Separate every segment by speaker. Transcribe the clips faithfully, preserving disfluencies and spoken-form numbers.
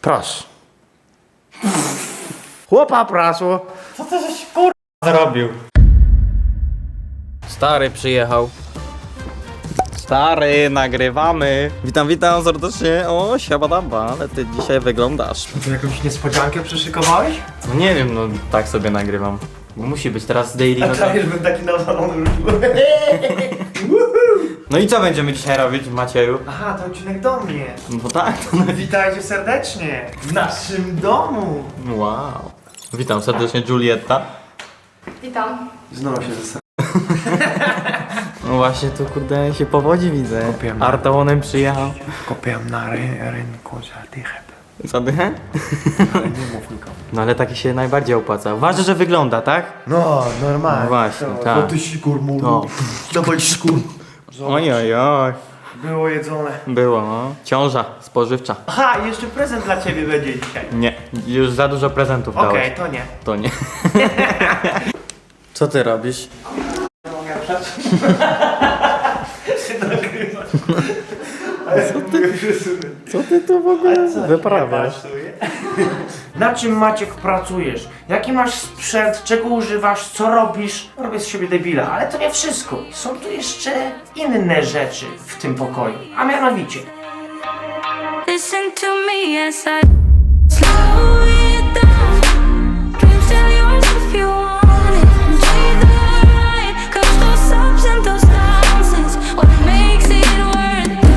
Speaker 1: Proszę. Chłopa prasło.
Speaker 2: Co ty żeś kur... zrobił?
Speaker 1: Stary przyjechał. Stary, nagrywamy. Witam, witam serdecznie. O, siabadaba, ale ty dzisiaj wyglądasz.
Speaker 2: Ty jakąś niespodziankę przyszykowałeś?
Speaker 1: No nie wiem, no tak sobie nagrywam. Bo musi być teraz daily.
Speaker 2: A
Speaker 1: No,
Speaker 2: czaisz, bym taki nawalony rzucił.
Speaker 1: no i co będziemy dzisiaj robić, Macieju?
Speaker 2: Aha, to odcinek do mnie.
Speaker 1: No tak.
Speaker 2: Witajcie serdecznie w naszym domu.
Speaker 1: Wow. Witam serdecznie, Julietta.
Speaker 3: Witam.
Speaker 2: Znowu się zastanawiam.
Speaker 1: No właśnie, tu kurde się powodzi, widzę.
Speaker 2: Kupiłem.
Speaker 1: Artaonem przyjechał.
Speaker 2: Kupiłem na ry rynku za dychę.
Speaker 1: Zadychę?
Speaker 2: Ale nie mów nikomu.
Speaker 1: No ale taki się najbardziej opłaca. Ważne, że wygląda, tak?
Speaker 2: No, normalnie.
Speaker 1: No właśnie,
Speaker 2: to,
Speaker 1: tak.
Speaker 2: To ty sikur mu.
Speaker 1: No.
Speaker 2: Dawaj sikur.
Speaker 1: Oj, oj, oj.
Speaker 2: Było jedzone.
Speaker 1: Było, no. Ciąża spożywcza.
Speaker 2: Aha, i jeszcze prezent dla ciebie będzie dzisiaj.
Speaker 1: Nie, już za dużo prezentów
Speaker 2: Okej,
Speaker 1: dałeś.
Speaker 2: to nie.
Speaker 1: To nie. Co ty robisz?
Speaker 2: Mogę przed... się nagrywać. Co ty?
Speaker 1: Co ty tu w ogóle
Speaker 2: wyprawiasz? Na czym, Maciek, pracujesz? Jaki masz sprzęt? Czego używasz? Co robisz? Robię z siebie debila, ale to nie wszystko. Są tu jeszcze inne rzeczy w tym pokoju. A mianowicie
Speaker 4: Listen to me as I slow it down. Dreams still yours if you want it. Enjoy the ride, 'cause those ups and those downs is what makes it worth it.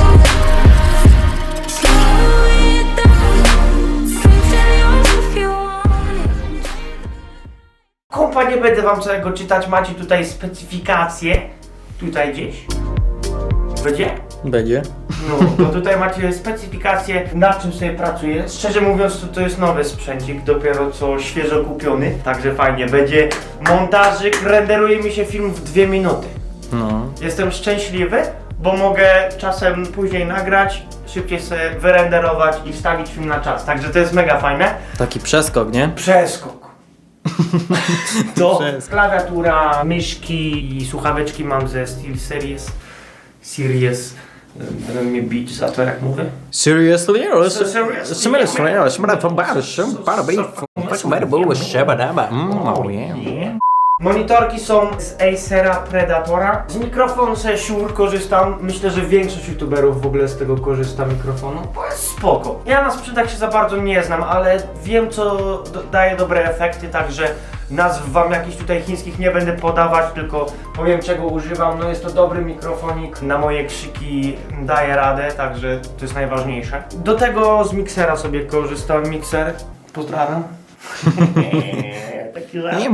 Speaker 4: Slow it down. Dreams still yours if you want it.
Speaker 2: kompa, nie będę wam całego czytać. Macie tutaj specyfikacje. Tutaj gdzieś. Będzie?
Speaker 1: Będzie.
Speaker 2: No, bo tutaj macie specyfikację, na czym sobie pracuję. Szczerze mówiąc, to, to jest nowy sprzęcik, dopiero co świeżo kupiony. Także fajnie, będzie montażyk, renderuje mi się film w dwie minuty.
Speaker 1: No.
Speaker 2: Jestem szczęśliwy, bo mogę czasem później nagrać, szybciej sobie wyrenderować i wstawić film na czas. Także to jest mega fajne.
Speaker 1: Taki przeskok, nie?
Speaker 2: Przeskok. To
Speaker 1: Przeskok.
Speaker 2: klawiatura, myszki i słuchaweczki mam ze SteelSeries. Series. Będą mnie bić za to, jak mówię.
Speaker 1: Seriously?
Speaker 2: Monitorki są z Acera Predatora. Z mikrofonu sobie Shure korzystam. Myślę, że większość youtuberów w ogóle z tego korzysta mikrofonu, bo jest spoko. Ja na sprzętach się za bardzo nie znam, ale wiem, co do daje dobre efekty, także nazw wam jakichś tutaj chińskich nie będę podawać, tylko powiem, czego używam. No jest to dobry mikrofonik, na moje krzyki daje radę, także to jest najważniejsze. Do tego z miksera sobie korzystam. Mikser, pozdrawiam. Taki żart.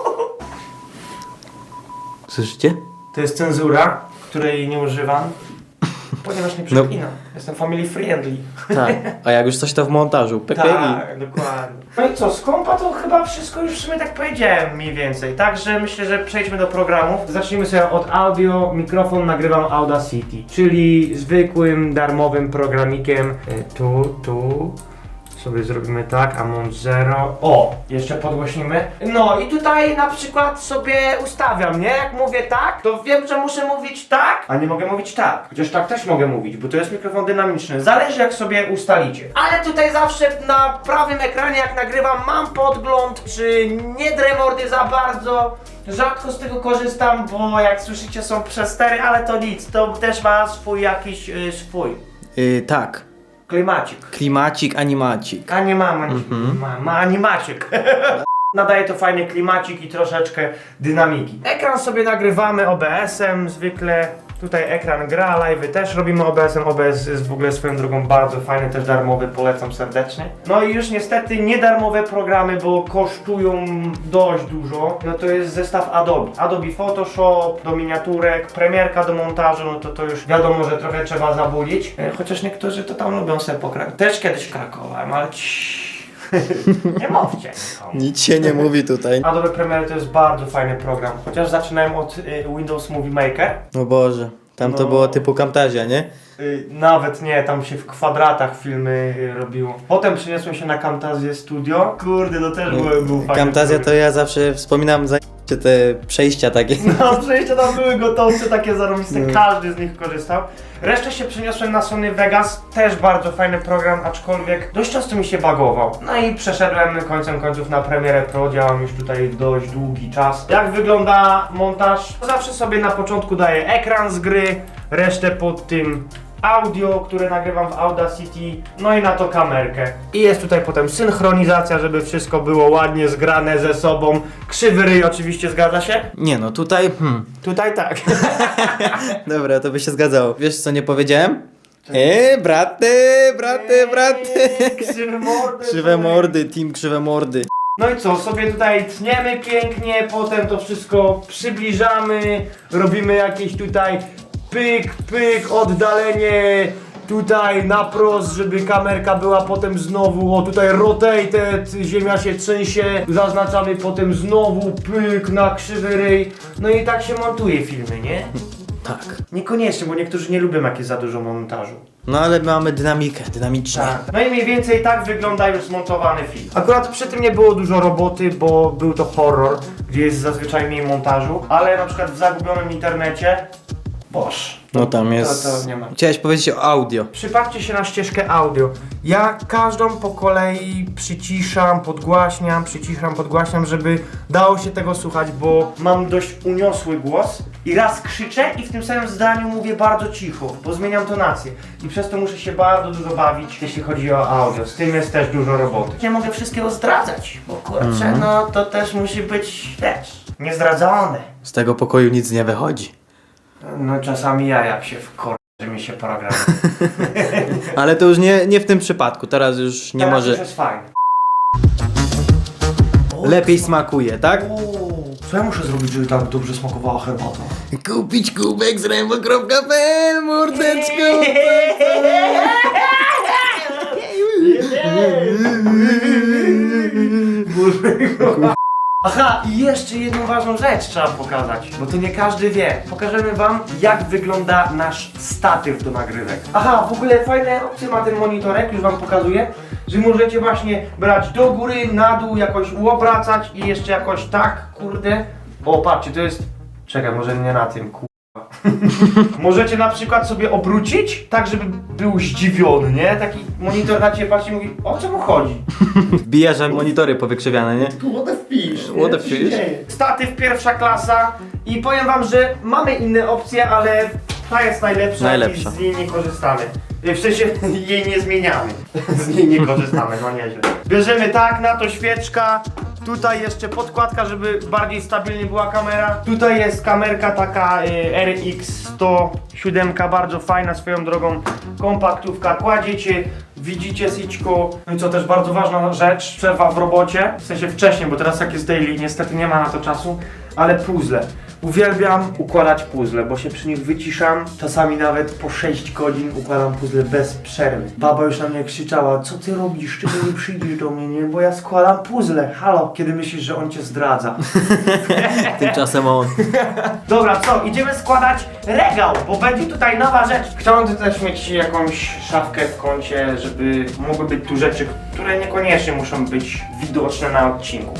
Speaker 1: Słyszycie?
Speaker 2: To jest cenzura, której nie używam, ponieważ nie przeklinam. Jestem family friendly.
Speaker 1: Tak. A jak już coś to w montażu. Pepegi.
Speaker 2: Tak, dokładnie. No i co, z kompa to chyba wszystko już w sumie tak powiedziałem mniej więcej. Także myślę, że przejdźmy do programów. Zacznijmy sobie od audio. Mikrofon nagrywam Audacity, czyli zwykłym, darmowym programikiem. Y, Tu, tu. Sobie zrobimy tak, Amount Zero. O, jeszcze podgłośnimy. No i tutaj na przykład sobie ustawiam, nie? Jak mówię tak, to wiem, że muszę mówić tak, a nie mogę mówić tak. Chociaż tak też mogę mówić, bo to jest mikrofon dynamiczny. Zależy, jak sobie ustalicie. Ale tutaj zawsze na prawym ekranie, jak nagrywam, mam podgląd, czy nie drę mordy za bardzo. Rzadko z tego korzystam, bo jak słyszycie, są przestery, ale to nic. To też ma swój jakiś yy, swój
Speaker 1: Yy, tak.
Speaker 2: klimacik.
Speaker 1: Klimacik, animacik.
Speaker 2: A nie mam, mm-hmm. ma, ma animaciek. Nadaje to fajny klimacik i troszeczkę dynamiki. Ekran sobie nagrywamy O B S-em zwykle. Tutaj ekran gra, live'y też robimy O B S-em. O B S jest w ogóle swoją drogą bardzo fajny, też darmowy, polecam serdecznie. No i już niestety niedarmowe programy, bo kosztują dość dużo. No to jest zestaw Adobe. Adobe Photoshop, do miniaturek, premierka do montażu, no to to już wiadomo, że trochę trzeba zabulić. E, Chociaż niektórzy to tam lubią sobie pokrakować. Też kiedyś krakowałem, ale ciii. Nie mówcie.
Speaker 1: Nic się nie mówi tutaj.
Speaker 2: Adobe Premiere to jest bardzo fajny program. Chociaż zaczynałem od y, Windows Movie Maker.
Speaker 1: O Boże. Tam to
Speaker 2: No.
Speaker 1: było typu Camtasia, nie?
Speaker 2: Y, nawet nie, tam się w kwadratach filmy y, robiło. Potem przeniosłem się na Camtasia Studio. Kurde, to też był, był fajny
Speaker 1: Camtasia to
Speaker 2: program.
Speaker 1: ja zawsze wspominam za Czy te przejścia takie.
Speaker 2: No, przejścia tam były gotowce, takie zarobiste, każdy z nich korzystał. Resztę się przeniosłem na Sony Vegas, też bardzo fajny program, aczkolwiek dość często mi się bagował. No i przeszedłem końcem końców na Premiere Pro, działam już tutaj dość długi czas. Jak wygląda montaż? Zawsze sobie na początku daję ekran z gry, resztę pod tym audio, które nagrywam w Audacity, no i na to kamerkę. I jest tutaj potem synchronizacja, żeby wszystko było ładnie zgrane ze sobą. Krzywy ryj oczywiście, zgadza się?
Speaker 1: Nie no, tutaj... Hmm.
Speaker 2: Tutaj tak.
Speaker 1: Dobra, to by się zgadzało. Wiesz co nie powiedziałem? Eee, braty, braty, braty.
Speaker 2: Krzywe mordy.
Speaker 1: Krzywe mordy, team krzywe mordy.
Speaker 2: No i co, sobie tutaj tniemy pięknie, potem to wszystko przybliżamy, robimy jakieś tutaj pyk, pyk, oddalenie tutaj na prost, żeby kamerka była potem znowu, o tutaj rotated, ziemia się trzęsie, zaznaczamy potem znowu pyk na krzywy ryj, no i tak się montuje filmy, nie?
Speaker 1: Tak.
Speaker 2: Niekoniecznie, bo niektórzy nie lubią jak jest za dużo montażu.
Speaker 1: No ale mamy dynamikę, dynamicznie.
Speaker 2: Tak. No i mniej więcej tak wygląda już zmontowany film. Akurat przy tym nie było dużo roboty, bo był to horror, gdzie jest zazwyczaj mniej montażu, ale na przykład w zagubionym internecie, boż.
Speaker 1: No tam jest...
Speaker 2: To, to nie ma.
Speaker 1: Chciałeś powiedzieć o audio.
Speaker 2: Przypatrzcie się na ścieżkę audio. Ja każdą po kolei przyciszam, podgłaśniam, przyciszam, podgłaśniam, żeby dało się tego słuchać, bo mam dość uniosły głos i raz krzyczę i w tym samym zdaniu mówię bardzo cicho, bo zmieniam tonację i przez to muszę się bardzo dużo bawić, jeśli chodzi o audio. Z tym jest też dużo roboty. Nie mogę wszystkiego zdradzać, bo kurczę, mm. no to też musi być, wiesz, niezdradzone.
Speaker 1: Z tego pokoju nic nie wychodzi.
Speaker 2: No czasami ja jak się wkor... że mi się program.
Speaker 1: Ale to już nie, nie w tym przypadku, teraz już nie
Speaker 2: Teraz
Speaker 1: może...
Speaker 2: już jest fajne.
Speaker 1: Lepiej smakuje, tak?
Speaker 2: Uuu, co ja muszę zrobić, żeby tak dobrze smakowała herbata?
Speaker 1: Kupić kubek z rembo kropka pe el, mordeczko!
Speaker 2: Aha, i jeszcze jedną ważną rzecz trzeba pokazać, bo to nie każdy wie. Pokażemy wam, jak wygląda nasz statyw do nagrywek. Aha, w ogóle fajne opcje ma ten monitorek, już wam pokazuję, że możecie właśnie brać do góry, na dół, jakoś uobracać i jeszcze jakoś tak, kurde. O, patrzcie, to jest... Czekaj, może nie na tym, kurwa. Możecie na przykład sobie obrócić, tak żeby był zdziwiony, nie? Taki monitor na ciebie patrzy i mówi, o co mu chodzi?
Speaker 1: Wbija, że monitory powykrzywiane, nie?
Speaker 2: What the fish?
Speaker 1: What the fish?
Speaker 2: Statyw pierwsza klasa i powiem wam, że mamy inne opcje, ale ta jest najlepsza,
Speaker 1: Najlepsza.
Speaker 2: i z niej nie korzystamy. W sensie jej nie zmieniamy. Z niej nie korzystamy, no nieźle. Bierzemy tak, na to świeczka. Tutaj jeszcze podkładka, żeby bardziej stabilnie była kamera. Tutaj jest kamerka taka y, R X sto siedem, bardzo fajna swoją drogą, kompaktówka. Kładziecie, widzicie syćko. No i co też bardzo ważna rzecz, przerwa w robocie. W sensie wcześniej, bo teraz jak jest daily, niestety nie ma na to czasu. Ale puzzle. Uwielbiam układać puzzle, bo się przy nich wyciszam. Czasami nawet po sześć godzin układam puzzle bez przerwy. Baba już na mnie krzyczała, co ty robisz, czemu nie przyjdziesz do mnie, nie? Bo ja składam puzzle. Halo, kiedy myślisz, że on cię zdradza?
Speaker 1: Tymczasem on.
Speaker 2: Dobra, co? Idziemy składać regał, bo będzie tutaj nowa rzecz. Chciałbym też mieć jakąś szafkę w kącie, żeby mogły być tu rzeczy, które niekoniecznie muszą być widoczne na odcinku.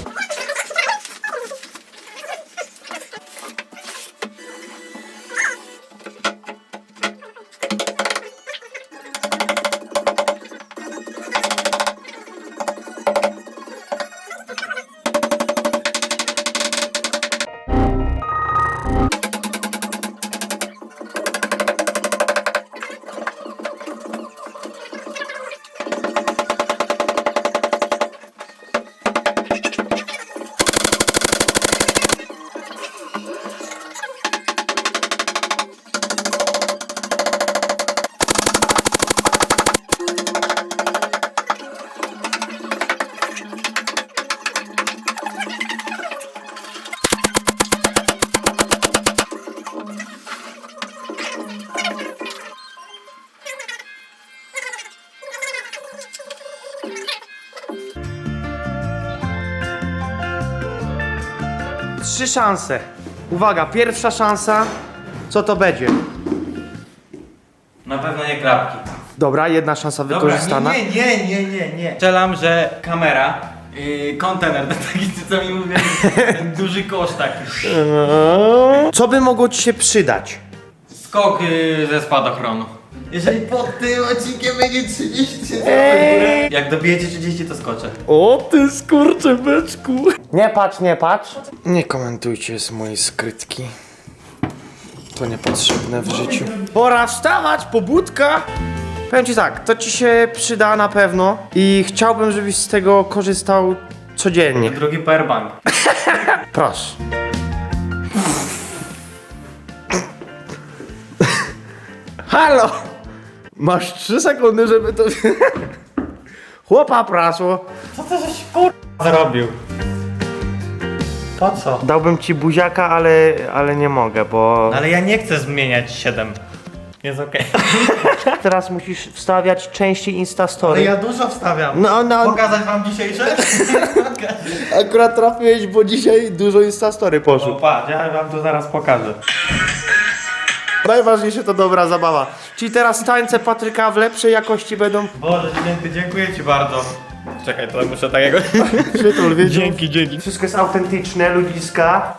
Speaker 2: Trzy szanse. Uwaga, pierwsza szansa. Co to będzie?
Speaker 1: Na pewno nie klapki.
Speaker 2: Dobra, jedna szansa wykorzystana.
Speaker 1: nie, nie, nie, nie, nie. Strzelam, że kamera
Speaker 3: Yy, kontener, taki co mi mówię, ten duży kosz taki.
Speaker 2: Co by mogło ci się przydać?
Speaker 3: Skok yy, ze spadochronu. Jeżeli pod tym odcinkiem będzie trzydzieści tysięcy
Speaker 2: Ej.
Speaker 3: jak dobijecie trzydzieści to skoczę.
Speaker 2: O ty skurcze beczku. Nie patrz, nie patrz. Nie komentujcie z mojej skrytki. To niepotrzebne w życiu. Pora wstawać, pobudka. Powiem ci tak, to ci się przyda na pewno i chciałbym, żebyś z tego korzystał codziennie.
Speaker 3: Drugi powerbank.
Speaker 2: Proszę. Halo! Masz trzy sekundy, żeby to... Chłopa prasło.
Speaker 3: Co to żeś kur... zrobił? Po co?
Speaker 2: Dałbym ci buziaka, ale, ale nie mogę, bo...
Speaker 3: Ale ja nie chcę zmieniać siedem. Jest okej.
Speaker 2: Teraz musisz wstawiać częściej
Speaker 3: Ale
Speaker 2: Instastory.
Speaker 3: ja dużo wstawiam.
Speaker 2: No, no,
Speaker 3: Pokazać wam dzisiejsze?
Speaker 2: akurat trafiłeś, bo dzisiaj dużo Instastory
Speaker 3: No
Speaker 2: poszło.
Speaker 3: patrz, ja wam to zaraz pokażę.
Speaker 2: Najważniejsze to dobra zabawa. Czyli teraz tańce Patryka w lepszej jakości będą...
Speaker 3: Boże, dzięki, dziękuję ci bardzo. Czekaj, to muszę takiego...
Speaker 2: Przytul, wiecie?
Speaker 3: Dzięki, dzięki.
Speaker 2: Wszystko jest autentyczne, ludziska.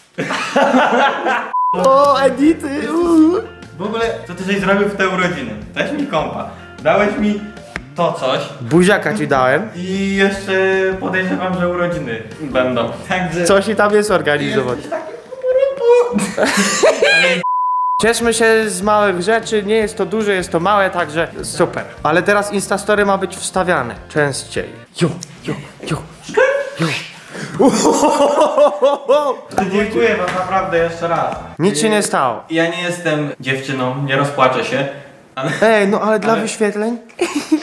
Speaker 2: O, edity! uuu.
Speaker 3: W ogóle, co ty żeś zrobił w te urodziny? Dałeś mi kompa, dałeś mi to coś
Speaker 2: Buziaka ci dałem.
Speaker 3: i jeszcze podejrzewam, że urodziny będą. Także...
Speaker 2: Coś i tam jest organizować.
Speaker 3: Jesteś taki pupurupu.
Speaker 2: Cieszmy się z małych rzeczy, nie jest to duże, jest to małe, także super. Ale teraz Instastory ma być wstawiane częściej. Jo, jo, jo, jo.
Speaker 3: Dziękuję wam naprawdę jeszcze raz.
Speaker 2: Nic się nie stało.
Speaker 3: Ja nie jestem dziewczyną, nie rozpłaczę się, ale...
Speaker 2: Ej, no ale dla
Speaker 3: Ale-
Speaker 2: wyświetleń?